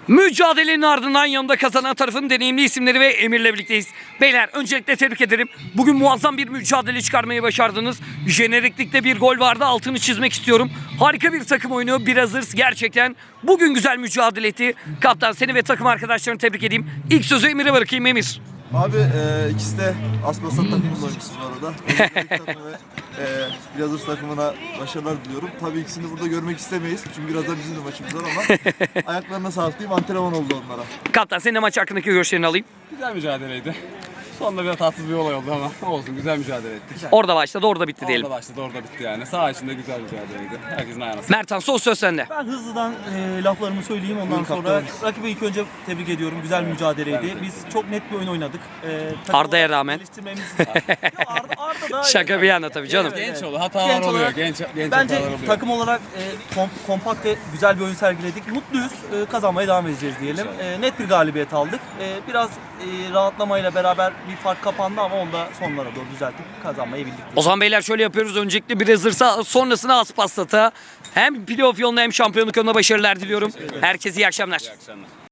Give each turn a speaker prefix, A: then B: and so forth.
A: Mücadelenin ardından yanımda kazanan tarafın deneyimli isimleri ve Emir'le birlikteyiz. Beyler öncelikle tebrik ederim. Bugün muazzam bir mücadele çıkarmayı başardınız. Jeneriklikte bir gol vardı, altını çizmek istiyorum. Harika bir takım oyunu, biraz hırs gerçekten. Bugün güzel mücadele etti. Kaptan seni ve takım arkadaşlarını tebrik edeyim. İlk sözü Emir'e bırakayım. Emir.
B: Abi ikisi de Asmasat takımının oyuncusu bu arada. Takımı ve Blazers takımına başarılar diliyorum. Tabii ikisini burada görmek istemeyiz. Çünkü biraz da bizim de maçımız var ama ayaklarına sağlık diyeyim, antrenman oldu onlara.
A: Kaptan senin de maç hakkındaki görüşlerini alayım.
C: Güzel mücadeleydi. Sonunda biraz tatsız bir olay oldu ama olsun, güzel mücadele ettik.
A: Orada başladı, orada bitti diyelim.
C: Orada başladı, orada bitti yani. Saha içinde güzel mücadeleydi. Herkesin ayağına sağlık.
A: Mertan son söz sende.
D: Ben hızlıdan laflarımı söyleyeyim, ondan sonra rakibi ilk önce tebrik ediyorum. Güzel mücadeleydi. Biz çok net bir oyun oynadık.
A: Arda'ya rağmen.
D: Arda da
A: Şaka bir yana tabii canım.
C: Genç oldu, hatalar
D: Genç
C: oluyor.
D: olarak
C: Genç
D: bence
C: hatalar oluyor.
D: takım olarak kompakt ve güzel bir oyun sergiledik. Mutluyuz. Kazanmaya devam edeceğiz diyelim. Net bir galibiyet aldık. Biraz rahatlamayla beraber bir fark kapandı ama onu da sonlara doğru düzeltip kazanmayı bildik.
A: O zaman beyler şöyle yapıyoruz. Öncelikle biraz hırsa, sonrasında Aspasat'a hem playoff yoluna hem şampiyonluk yoluna başarılar diliyorum. Herkese iyi akşamlar.
C: İyi akşamlar.